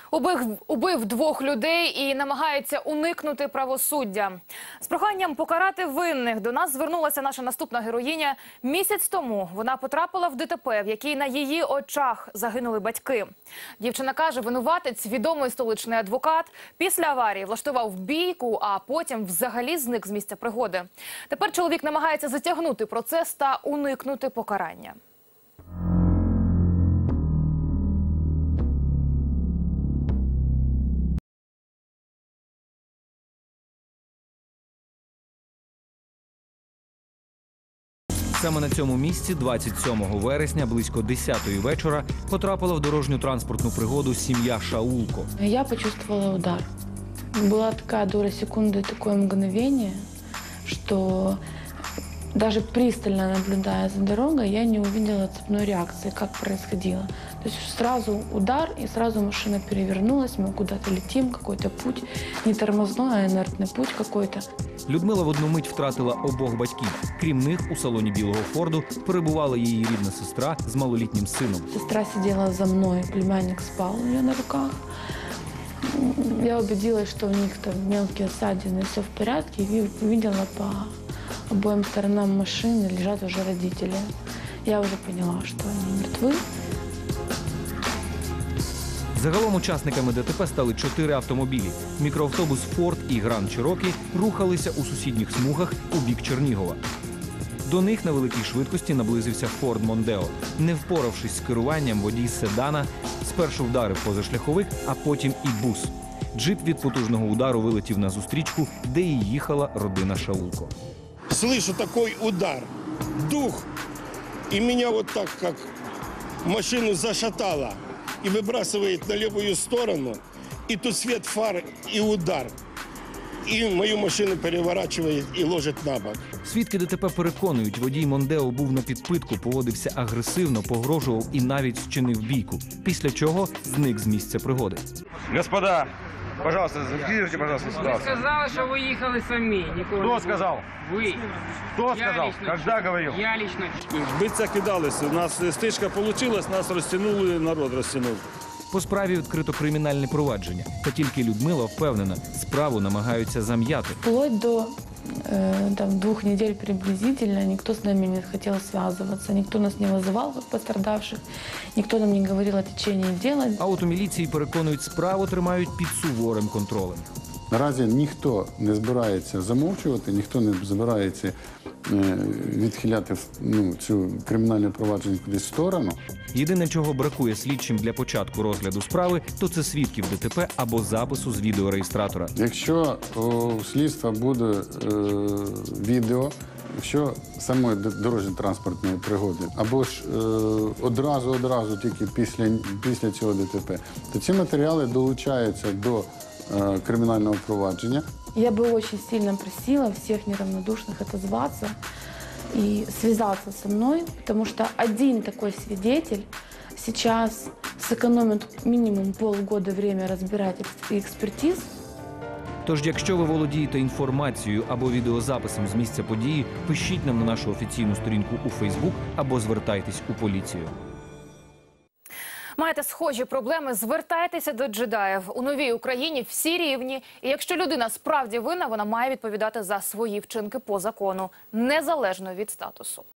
Убив двох людей і намагається уникнути правосуддя. З проханням покарати винних до нас звернулася наша наступна героїня. Місяць тому вона потрапила в ДТП, в якій на її очах загинули батьки. Дівчина каже, винуватець, відомий столичний адвокат, після аварії влаштував бійку, а потім взагалі зник з місця пригоди. Тепер чоловік намагається затягнути процес та уникнути покарання. Саме на цьому місці 27 вересня близько 10-ї вечора потрапила в дорожньо-транспортну пригоду сім'я Шаулко. Я почувствовала удар. Была такая доля секунды, такое мгновение, что даже пристально наблюдая за дорогой, я не увидела цепной реакции, как происходило. То есть сразу удар, и сразу машина перевернулась, мы куда-то летим, какой-то путь, не тормозной, а инертный путь какой-то. Людмила в одну мить втратила обох батьків. Крім них, у салоні білого Форду перебувала її рідна сестра з малолітнім сином. Сестра сидела за мной, племянник спал у нее на руках. Я убедилась, что у них там мелкие ссадины, все в порядке, и увидела по обоим сторонам машины лежат уже родители. Я уже поняла, что они мертвы. Загалом учасниками ДТП стали 4 автомобілі. Мікроавтобус «Форд» і «Гранд Чирокі» рухалися у сусідніх смугах у бік Чернігова. До них на великій швидкості наблизився «Форд Мондео». Не впоравшись з керуванням, водій седана спершу вдарив позашляховик, а потім і бус. Джип від потужного удару вилетів на зустрічку, де і їхала родина Шаулко. Слышу такой удар, дух, и меня вот так, как машину зашатало, и выбрасывает на левую сторону, и тут свет фар, и удар. І мою машину переворачує і ложить на бок. Свідки ДТП переконують, водій Мондео був на підпитку, поводився агресивно, погрожував і навіть вчинив бійку. Після чого зник з місця пригоди. Господа, пожалуйста, зафиксируйте, пожалуйста, Вы ситуацию. сказали, что вы ехали сами. Кто сказал? Вы. Кто Я сказал? лично Когда чую. говорил? Я лично. Биться кидалися. У нас стичка вийшла, нас розтягнули, народ розтягнув. По справі відкрито кримінальне провадження. Та тільки Людмила впевнена, справу намагаються зам'яти. Вплоть до 2 недель приблизительно никто с нами не хотел связываться, никто нас не вызывал как пострадавших, никто нам не говорил о течении дела. А от у міліції переконують, справу тримають під суворим контролем. Наразі ніхто не збирається замовчувати, ніхто не збирається відхиляти цю кримінальне провадження кудись в сторону. Єдине, чого бракує слідчим для початку розгляду справи, то це свідків ДТП або запису з відеореєстратора. Якщо у слідства буде відео, якщо самої дорожньо-транспортної пригоди, або ж одразу тільки після цього ДТП, то ці матеріали долучаються до криминального провадження. Я бы очень сильно просила всех неравнодушных отозваться и связаться со мной, потому что один такой свидетель сейчас сэкономит минимум полгода время разбирать экспертиз. Тож, якщо ви володієте інформацією або відеозаписом з місця події, пишіть нам на нашу офіційну сторінку у Фейсбук або звертайтесь у поліцію. Маєте схожі проблеми? Звертайтеся до джедаїв. У новій Україні всі рівні. І якщо людина справді винна, вона має відповідати за свої вчинки по закону, незалежно від статусу.